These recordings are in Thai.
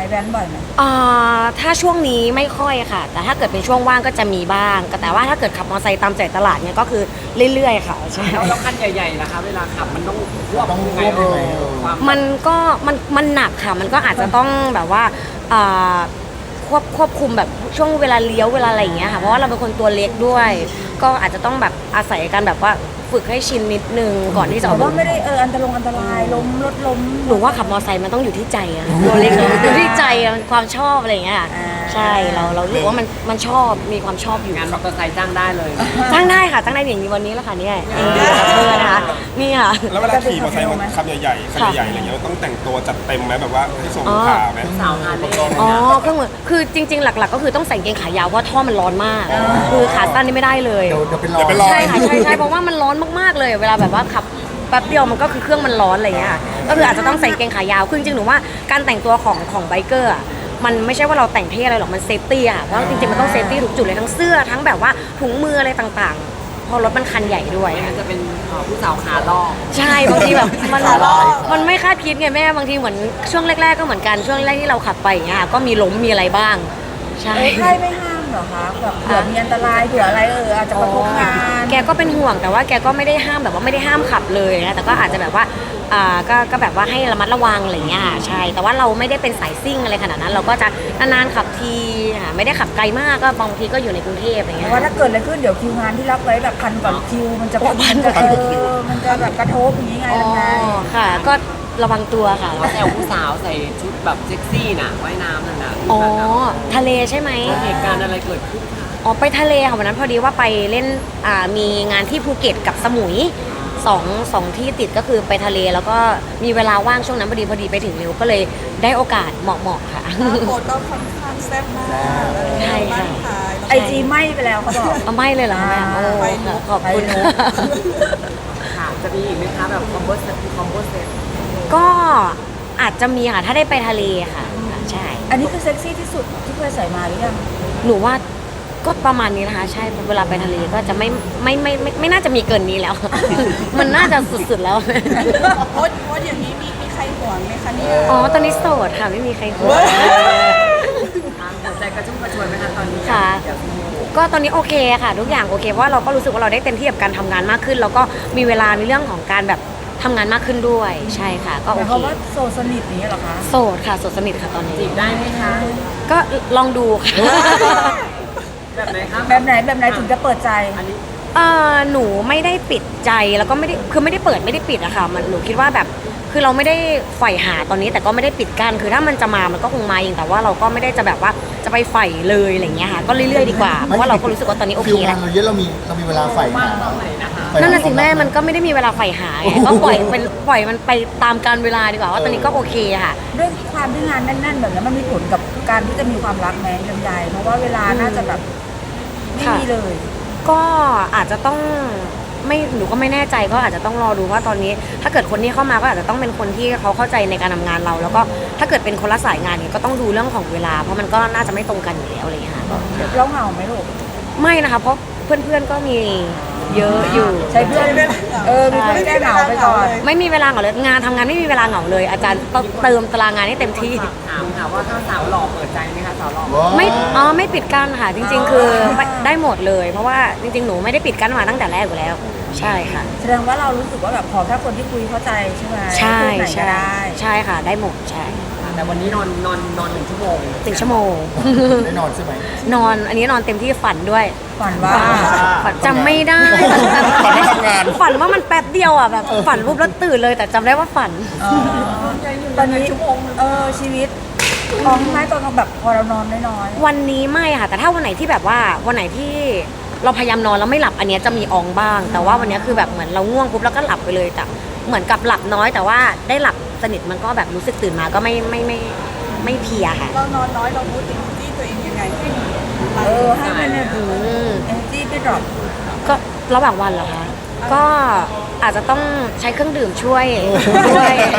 แว้นบ่อยไหมถ้าช่วงนี้ไม่ค่อยค่ะแต่ถ้าเกิดเป็นช่วงว่างก็จะมีบ้างแต่ว่าถ้าเกิดขับมอเตอร์ไซค์ตามใจตลาดเนี่ยก็คือเรื่อยๆค่ะใช่แล้วคันใหญ่ๆนะคะเวลาขับมันต้องควบยังไงมันก็มันหนักค่ะมันก็อาจจะต้องแบบว่าควบคุมแบบช่วงเวลาเลี้ยวเวลาอะไรอย่างเงี้ยค่ะเพราะว่าเราเป็นคนตัวเล็กด้วยก็อาจจะต้องแบบอาศัยการแบบว่าฝึกให้ชินนิดนึงก่อนที่จะแต่ว่าไม่ได้อันตรายล้มรถล้มหนูว่าขับมอเตอร์ไซค์มันต้องอยู่ที่ใจอะตัวเล็กอยู่ที่ใจมันความชอบอะไรอย่างเงี้ยใช่เรารู้ว่ามันชอบมีความชอบอยู่งานมอเตอร์ไซค์จ้างได้เลยจ้างได้ค่ะจ้างได้อย่างนี้วันนี้แล้วค่ะนี่เพื่อนนะคะนี่ค่ะแล้วเวลาขี่มอเตอร์ไซค์ขับใหญ่ๆคันใหญ่ๆอะไรเงี้ยต้องแต่งตัวจัดเต็มไหมแบบว่าให้ส่งลูกค้าไหมสาวงานเล่นเครื่องมือคือจริงๆหลักๆก็คือต้องใส่กางเกงขายาวเพราะท่อมันร้อนมากคือขาสั้นนี่ไม่ได้เลยเดี๋ยวเป็นรอยใช่ค่ะใช่เพราะว่ามันร้อนมากๆเลยเวลาแบบว่าขับแป๊บเดียวมันก็คือเครื่องมันร้อนอะไรเงี้ยก็คืออาจจะต้องใส่กางเกงขายาวคือจริงๆหนูว่าการแต่งตัวของไบเกอร์มันไม่ใช่ว่าเราแต่งเท่อะไรหรอกมันเซฟตี้อะเพราะจริงๆมันต้องเซฟตี้ทุกจุดเลยทั้งเสื้อทั้งแบบว่าถุงมืออะไรต่างๆพอรถมันคันใหญ่ด้วยจะเป็นผู้สาวขาล่อใช่บางทีแบบมันไม่คาดคิดไงแม่บางทีเหมือนช่วงแรกๆก็เหมือนกันช่วงแรกที่เราขับไปอย่างเงี้ยก็มีล้มมีอะไรบ้างใช่ใครไม่ห้ามเหรอคะแบบเผื่อมีอันตรายเผื่ออะไรอาจจะกระทบงานแกก็เป็นห่วงแต่ว่าแกก็ไม่ได้ห้ามแบบว่าไม่ได้ห้ามขับเลยนะแต่ก็อาจจะแบบว่าก็แบบว่าให้ระมัดระวังอะไรเงี้ยใช่แต่ว่าเราไม่ได้เป็นสายซิ่งอะไรขนาดนั้นเราก็จะนานๆขับทีไม่ได้ขับไกลมากก็บางทีก็อยู่ในกรุงเทพอะไรเงี้ยว่าถ้าเกิดอะไรขึ้นเดี๋ยวคิวงานที่รับไว้แบบพันกว่าคิวมันจะแบบกระทบอย่างนี้ไงค่ะก็ระวังตัวค่ะเขาแซวผู้สาวใส่ชุดแบบเซ็กซี่น่ะว่ายน้ำนั่นน่ะทะเลใช่ไหมเหตุการณ์อะไรเกิดขึ้นไปทะเลค่ะวันนั้นพอดีว่าไปเล่นมีงานที่ภูเก็ตกับสมุยสองที่ติดก็คือไปทะเลแล้วก็มีเวลาว่างช่วงนั้นพอดีไปถึงเร็วก็เลยได้โอกาสเหมาะค่ะโคตรก็ค่อนข้างแซ่บมากใช่ค่ะ IG ไหม้ไปแล้วเขาบอกไหม้เลยเหรอแม่โอ้ขอบคุณค่ะจะมีอีกไหมคะแบบคอมโบเซ็ตก็อาจจะมีค่ะถ้าได้ไปทะเลค่ะใช่อันนี้คือเซ็กซี่ที่สุดที่เคยใส่มาหรือยังหนูว่าก็ประมาณนี้นะคะใช่เวลาไปทะเลก็จะไม่น่าจะมีเกินนี้แล้ว มันน่าจะสุดๆแล้วโพสอย่างนี้มีใครห่วงไหมคะเนี่ยตอนนี้โสดค่ะไม่มีใครห่วงหัวใจกระชุ่มกระชวยไหมคะตอนนี้ค่ะก็ตอนนี้โอเคค่ะทุกอย่างโอเคเพราะว่าเราก็รู้สึกว่าเราได้เต็มที่กับการทำงานมากขึ้นแล้วก็มีเวลาในเรื่องของการแบบทำงานมากขึ้นด้วยใช่ค่ะก็โอเคเพราะว่าโสดสนิทนี้เหรอคะโสดค่ะโสดสนิทค่ะตอนนี้จีบได้ไหมคะก็ลองดูค่ะแบบไหนคะแบบไหนถึงจะเปิดใจหนูไม่ได้ปิดใจแล้วก็ไม่ได้คือไม่ได้เปิดไม่ได้ปิดอะค่ะมันหนูคิดว่าแบบคือเราไม่ได้ใฝ่หาตอนนี้แต่ก็ไม่ได้ปิดกั้นคือถ้ามันจะมามันก็คงมาเองแต่ว่าเราก็ไม่ได้จะแบบว่าจะไปใฝ่เลยอะไรเงี้ยค่ะก็เรื่อยๆดีกว่าเพราะว่าเราก็รู้สึกว่าตอนนี้โอเคแล้วเราเยอะเรามีเวลาใฝ่หานั่นน่ะสิแม่มันก็ไม่ได้มีเวลาใฝ่หาก็ปล่อยมันไปตามกาลเวลาดีกว่าว่าตอนนี้ก็โอเคค่ะด้วยความที่งานแน่นๆแบบนี้มันมีผลกับการที่จะมีความรักแม้ลำไยเพราะว่าเวลาน่าจะแบบไม่มีเลยก็อาจจะต้องไม่หนูก็ไม่แน่ใจก็อาจจะต้องรอดูว่าตอนนี้ถ้าเกิดคนที่เข้ามาก็อาจจะต้องเป็นคนที่เขาเข้าใจในการทำงานเราแล้วก็ถ้าเกิดเป็นคนละสายงานเนี่ยก็ต้องดูเรื่องของเวลาเพราะมันก็น่าจะไม่ตรงกันอยู่แล้วอะไรอย่างเงี้ยค่ะเราเหงาไหมลูกไม่นะคะเพราะเพื่อนๆก็มีเยอะอยู่ใช้เพื่อนมีเพื่อนแก้เหงาไปก่อนไม่มีเวลาเหงาเลยงานทำงานไม่มีเวลาเหงาเลยอาจารย์ต้องเติมตารางงานให้เต็มที่ถามค่ะว่าถ้าสาวหล่อเปิดใจไหมคะสาวหล่อไม่ปิดกั้นค่ะจริงๆคือได้หมดเลยเพราะว่าจริงๆหนูไม่ได้ปิดกั้นมาตั้งแต่แรกอยู่แล้วใช่ค่ะแสดงว่าเรารู้สึกว่าแบบขอแค่คนที่คุยเข้าใจใช่ไหมใช่ใช่ค่ะได้หมดใช่แต่วันนี้นอน1 ชั่วโมง 1 ชั่วโมงได้นอนใช่ไหมนอนอันนี้นอนเต็มที่ฝันด้วยฝันว่าจำไม่ได้ฝันว่าทำงานฝันว่ามันแป๊บเดียวอ่ะแบบฝันปุ๊บแล้วตื่นเลยแต่จำได้ว่าฝันตอนนี้ชีวิตท้องไม้ตอนแบบพอเรานอนน้อยวันนี้ไม่ค่ะแต่ถ้าวันไหนที่แบบว่าวันไหนที่เราพยายามนอนแล้วไม่หลับอันนี้จะมีอองบ้างแต่ว่าวันนี้คือแบบเหมือนเราง่วงปุ๊บแล้วก็หลับไปเลยแต่เหมือนกับหลับน้อยแต่ว่าได้หลับสนิทมันก็แบบรู้สึกตื่นมาก็ไม่เพลียค่ะเรานอนน้อยเราพูดถึงที่ตัวเองยังไงให้มันเนี่ยenergy ไม่ดรอปก็ระหว่างวันเหรอคะก็อาจจะต้องใช้เครื่องดื่มช่วย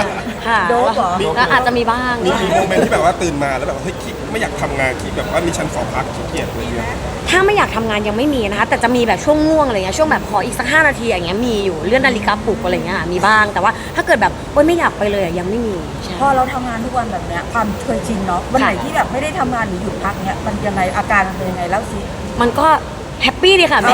ค่ะโดปเหรอก็อาจจะมีบ้างมีโมเมนต์ที่แบบว่าตื่นมาแล้วแบบเฮ้ยขี้ไม่อยากทำงานขี้แบบว่ามีฉันขอพักขี้เกียจอะไรเงี้ยถ้าไม่อยากทำงานยังไม่มีนะคะแต่จะมีแบบช่วงง่วงอะไรเงี้ยช่วงแบบขออีกสัก5 นาทีอย่างเงี้ยมีอยู่เลื่อนนาฬิกาปลุกอะไรเงี้ยมีบ้างแต่ว่าถ้าเกิดแบบโอ๊ยไม่อยากไปเลยยังไม่มีใช่พอเราทำงานทุกวันแบบเนี้ยความเคยชินเนาะวันไหนที่แบบไม่ได้ทำงานหรือหยุดพักเนี้ยมันยังไงอาการมันเป็นยังไงเล่าสิมันก็แฮปปี้ดีค่ะแม่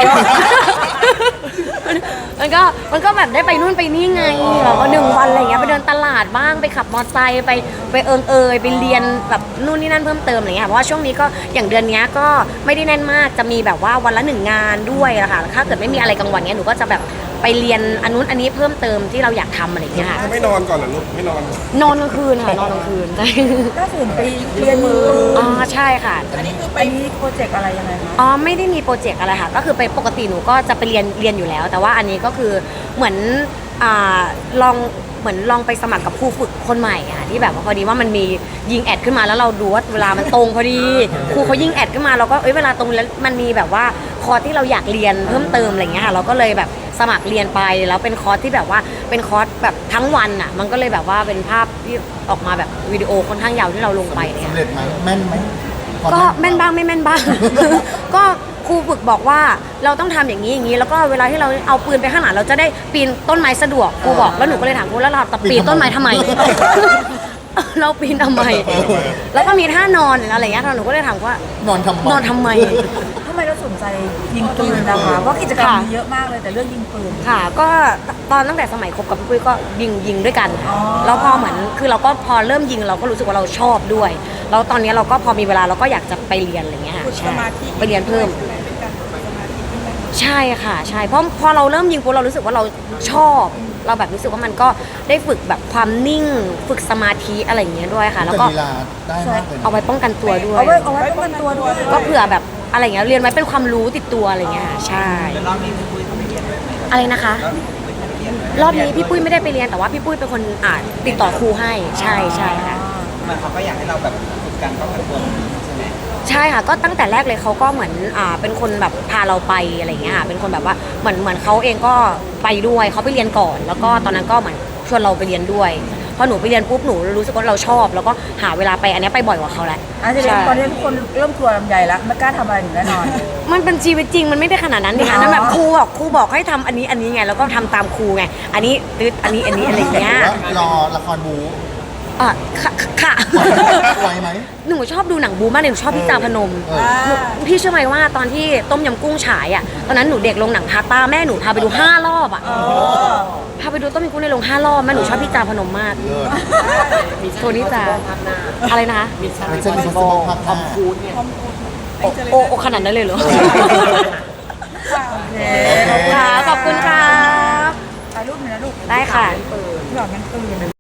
มันก็แบบได้ไปนู่นไปนี่ไงเราก็1 วันอะไรเงี้ยไปเดินตลาดบ้างไปขับมอเตอร์ไซค์ไปไปเรียนแบบนู่นนี่นั่นเพิ่มเติมอะไรเงี้ยเพราะว่าช่วงนี้ก็อย่างเดือนเนี้ยก็ไม่ได้แน่นมากจะมีแบบว่าวันละ1 งานด้วยอะค่ะถ้าเกิดไม่มีอะไรกลางวันเนี้ยหนูก็จะแบบไปเรียนอันนู้นอันนี้เพิ่มเติมที่เราอยากทำอะไรเงี้ยค่ะถ้าไม่นอนก่อนเหรอลูกไม่นอนนอนกลางคืนค่ะนอนกลางคืนใช่ก็ส่วนไปเรียนมืออ๋อใช่ค่ะอันนี้คือไปนี้โปรเจกต์อะไรยังไงคะอ๋อไม่ได้มีโปรเจกต์อะไรค่ะก็คือไปปกติหนูก็จะไปเรียนอยู่แล้ว แต่ว่าอันนี้ก็คือเหมือนลองไปสมัครกับครูฝึกคนใหม่ค่ะที่แบบว่าพอดีว่ามันมียิงแอดขึ้นมาแล้วเราดูว่าเวลามันตรงพอดีครูเขายิงแอดขึ้นมาเราก็เวลาตรงแล้วมันมีแบบว่าคอร์สที่เราอยากเรียนเพิ่มเติมอะไรเงี้ยค่ะเราก็เลยแบบสมัครเรียนไปแล้วเป็นคอร์สที่แบบว่าเป็นคอร์สแบบทั้งวันอ่ะมันก็เลยแบบว่าเป็นภาพที่ออกมาแบบวิดีโอค่อนข้างยาวที่เราลงไปเนี่ยสำเร็จไหมแม่นไหมความก็แม่นบ้างไม่แม่นบ้าง ก็ครูฝึกบอกว่าเราต้องทำอย่างนี้อย่างนี้แล้วก็เวลาที่เราเอาปืนไปข้างหลังเราจะได้ปีนต้นไม้สะดวกครูบอกแล้วหนูก็เลยถามครูแล้วเราจะปีนต้นไม้ทำไม เราปีนทำไม แล้วก็มีท่านอนอะไรอย่างเงี้ยหนูก็เลยถามว่านอนทำไมนอนทำไมทำไมเราสนใจยิงปืนนะคะเพราะกิจกรรมมีเยอะมากเลยแต่เรื่องยิงปืนค่ะก็ตอนตั้งแต่สมัยคบกับพี่ปุ้ยก็ยิงด้วยกันอ๋อแล้วพอเหมือนคือเราก็พอเริ่มยิงเราก็รู้สึกว่าเราชอบด้วยแล้วตอนนี้เราก็พอมีเวลาเราก็อยากจะไปเรียนอะไรเงี้ยค่ะฝึกสใช่มาธิไปเรียนเพิ่มใช่ไหเป็นการฝึกสมาธิที่มันใช่ค่ะใช่เพราะพอเราเริ่มยิงปุ๊บเรารู้สึกว่าเราชอบ เราแบบรู้สึกว่ามันก็ได้ฝึกแบบความนิ่งฝึกสมาธิอะไรอย่างเงี้ยด้วยค่ะ แล้วก็ลีลาได้มากเลยนะเอาไว้ป้องกันตัวด้วยเอาไว้ป้องกันตัวด้วยก็เผื่อแบบอะไรอย่างเงี้ยเรียนไว้เป็นความรู้ติดตัวอะไรอย่างเงี้ยค่ะใช่อะไรนะคะ รอบนี้พี่ปุ้ยไม่ได้ไปเรียนแต่ว่าพี่ปุ้ยเป็นคนติดต่อครูให้ใช่ใช่ค่ะมันเขาก็อยากให้เราแบบฝึกการป้องกันตัวใช่ไหมใช่ค่ะก็ตั้งแต่แรกเลยเขาก็เหมือนเป็นคนแบบพาเราไปอะไรอย่างเงี้ยค่ะเป็นคนแบบว่าเหมือนเขาเองก็ไปด้วยเขาไปเรียนก่อน แล้วก็ตอนนั้นก็เหมือนชวนเราไปเรียนด้วยพอหนูไปเรียนปุ๊บหนูรู้สึกว่าเราชอบ แล้วก็หาเวลาไปอันเนี้ยไปบ่อยกว่าเขาแหละอาจจะตอนนี้ทุกคนเริ่มกลัวลำไยแล้วไม่กล้าทำอะไรหนูแน่นอนมันเป็นชีวิตจริงมันไม่ได้ขนาดนั้นนี่ค่ะอ๋อนั่นแบบครูบอกให้ทำอันนี้ไงแล้วก็ทำตามครูไงอันนี้ตึ๊ดอันนี้อะไรอย่างเงี้ยหรือว่ารอละครบูค่ะไหวไหมหนูชอบดูหนังบูมากเลยหนูชอบพี่จาพนม หนูพี่เชื่อไหมว่าตอนที่ต้มยำกุ้งฉายอ่ะตอนนั้นหนูเด็กลงหนังพาต้าแม่หนูพาไปดู5 รอบอ่ะพาไปดูต้มยำกุ้งในโรง5 รอบแม่หนูชอบพี่จาพนมมากเลิศโทนี่จาอะไรนะคะมิชชั่น Mission Impossible ภาคทอมครูซเนี่ยโอขนาดนั้นเลยเหรอโอเคค่ะขอบคุณครับถ่ายรูปหน่อยนะลูกได้ค่ะหลอดมันตื่น